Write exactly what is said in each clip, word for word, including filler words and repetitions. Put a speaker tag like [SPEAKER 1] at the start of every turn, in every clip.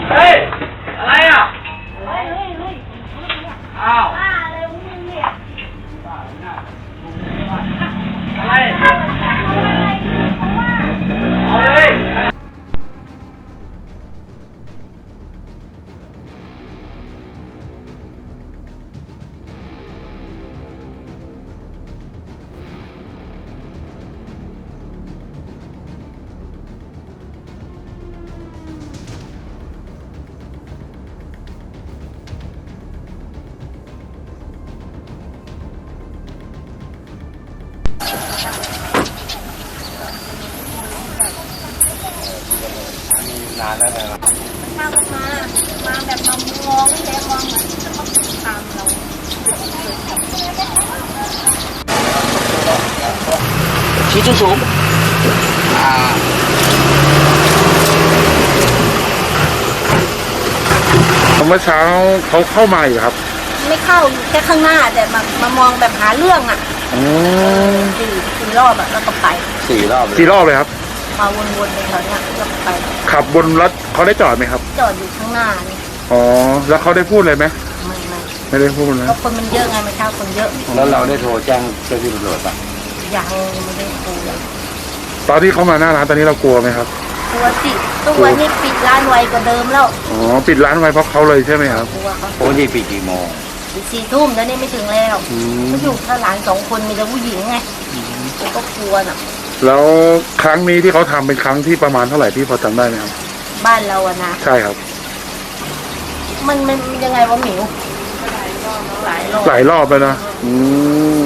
[SPEAKER 1] เฮ้ยอะไรอ่ะเฮ้ยเฮ้ยเฮ้ยอ้าวบ้าเลยมึงเนี่ยบ้าเนี่ยอะไรเอาเลยนานแล้วนะครับ
[SPEAKER 2] มาแบบมา มาแบบมามองไม่ได้มองเหมือนจะต้องตามเรา
[SPEAKER 1] ชี้สูงสูงอ่า
[SPEAKER 3] เมื่อเช้าเขาเข้ามาอีกครับ
[SPEAKER 2] ไม่เข้าอยู่แค่ข้างหน้าแต่มามามองแบบหาเรื่องอ่ะสี่สี่รอบอ่ะแล้วก็ไป
[SPEAKER 1] สี่รอบ
[SPEAKER 3] สี่รอบเลยครับ
[SPEAKER 2] มาวนๆในแถวเนี้ยแล้วก็ไป
[SPEAKER 3] ขับบนรถเขาได้จอดไหมครับ
[SPEAKER 2] จอดอยู่ข้างหน้านี่
[SPEAKER 3] อ๋อแล้วเขาได้พูดเลยไหม
[SPEAKER 2] ไม่ไม่
[SPEAKER 3] ไม่ได้พูดนะ
[SPEAKER 2] เพราะคนมันเยอะไงเมื่อเช้าคนเยอะ
[SPEAKER 1] แล้วเราได้โทรแจ้งเจ้าที่ตำรวจป่ะ
[SPEAKER 2] ยังไม่ได้โทร
[SPEAKER 3] ตอนที่เขามาหน้าร้านตอนนี้เรากลัวไหมครับ
[SPEAKER 2] กลัวสิทุกวันนี้ปิดร้านไวกว่าเดิมแล้ว
[SPEAKER 3] อ๋อปิดร้านไวเพราะเขาเลยใช่ไหมครับ
[SPEAKER 2] กลัวเขา
[SPEAKER 1] ปกติปิดกี่โมง
[SPEAKER 2] ปิดสี่ทุ่มแล้วนี่ไม่ถึงแล้วเขาอยู่ถ้าหลานสองคนมีแต่ผู้หญิงไงก็กลัวน่ะ
[SPEAKER 3] แล้วครั้งนี้ที่เขาทำเป็นครั้งที่ประมาณเท่าไหร่ที่พอจำได้ไหมครับ
[SPEAKER 2] บ้านเราอะนะ
[SPEAKER 3] ใช่ครับ
[SPEAKER 2] มันมันยังไงวะหมิวหลายรอบ
[SPEAKER 3] หลายรอบแล้วนะอืม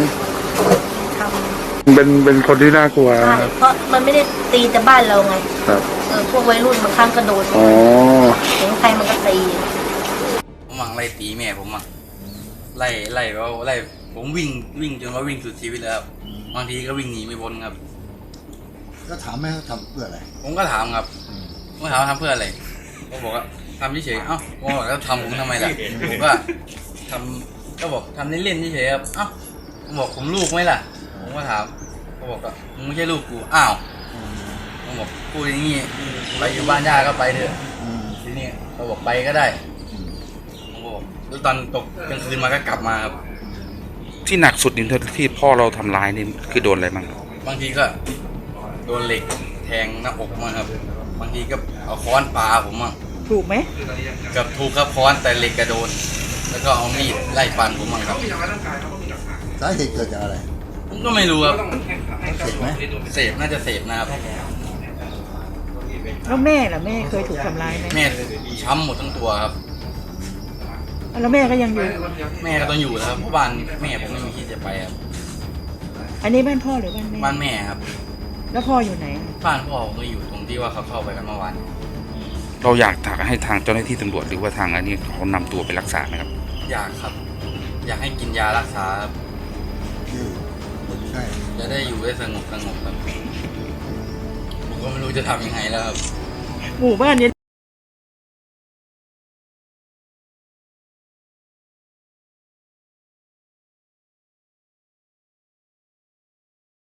[SPEAKER 3] เป็นเป็นคนที่น่ากลัว
[SPEAKER 2] ใช่เพราะมันไม่ได้ตีแต่บ้านเราไง
[SPEAKER 3] ครับ
[SPEAKER 2] เออพวกวัยรุ่นบางครั้งก็โดน
[SPEAKER 3] อ๋อ
[SPEAKER 2] เห็นใครมันก็ตี
[SPEAKER 4] ผมมังไล่ตีแม่ผมอ่ะไล่ไล่ว่าไล่ผมวิ่งวิ่งจนว่าวิ่งสุดชีวิตแล้วบางทีก็วิ่งหนีไม่พ้นครับ
[SPEAKER 5] ก็ถามแม่เขาทำเพื่ออะไร
[SPEAKER 4] ผมก็ถามครับผมถามว่าทำเพื่ออะไรเขาบอกว่าทำเฉยๆเอ้าผมบอกแล้วทำผมทำไมล่ะผมก็ทำก็บอกทำเล่นๆเฉยๆครับเอ้าผมบอกผมลูกไหมล่ะผมก็ถามเขาบอกว่ามึงไม่ใช่ลูกกูอ้าวผมบอกพูดอย่างนี้ไปอยู่บ้านย่าก็ไปเถอะทีนี้เขาบอกไปก็ได้ผมบอกแล้วตอนตกกลางคืนมาก็กลับมาครับ
[SPEAKER 3] ที่หนักสุดนี่ที่พ่อเราทำร้ายนี่คือโดนอะไรบ้าง
[SPEAKER 4] บางทีก็โดนเหล็กแทงหน้าอกมาครับบางทีก็เอาค้อนปาผมมั่ง
[SPEAKER 2] ถูกไหม
[SPEAKER 4] กับถูกครับค้อนแต่เหล็กกระโดนแล้วก็เอามีดไล่ฟันผมมั่งครับ
[SPEAKER 5] สาเหตุเกิดจากอะไร
[SPEAKER 4] ผมก็ไม่รู้ครับ
[SPEAKER 5] เสพไหม
[SPEAKER 4] เสพน่าจะเสพนะครับ
[SPEAKER 6] แล้วแม่ล่ะแม่เคยถูกทำร้ายไหม
[SPEAKER 4] แม่ช้ำหมดทั้งตัวครับ
[SPEAKER 6] แล้วแม่ก็ยังอยู่
[SPEAKER 4] แม่ก็ต้องอยู่นะครับเพราะบ้านแม่ผมไม่มีที่จะไปครับ
[SPEAKER 6] อันนี้บ้านพ่อหรือบ้านแม่
[SPEAKER 4] บ้านแม่ครับ
[SPEAKER 6] แล้วพ่ออยู่ไหน
[SPEAKER 4] บ้านพ่อผมก็อยู่ตรงที่ว่าเขาเข้าไปกันเมื่อวาน
[SPEAKER 3] เราอยากถากให้ทางเจ้าหน้าที่ตำรวจหรือว่าทางอันนี้เขานำตัวไปรักษาไหมครับ
[SPEAKER 4] อยากครับอยากให้กินยารักษาครับ
[SPEAKER 5] ใช่
[SPEAKER 4] จะได้อยู่ได้สงบสงบครับผมก็ไม่รู้จะทำยังไงแล้วครับ
[SPEAKER 6] หมู่บ้านนี้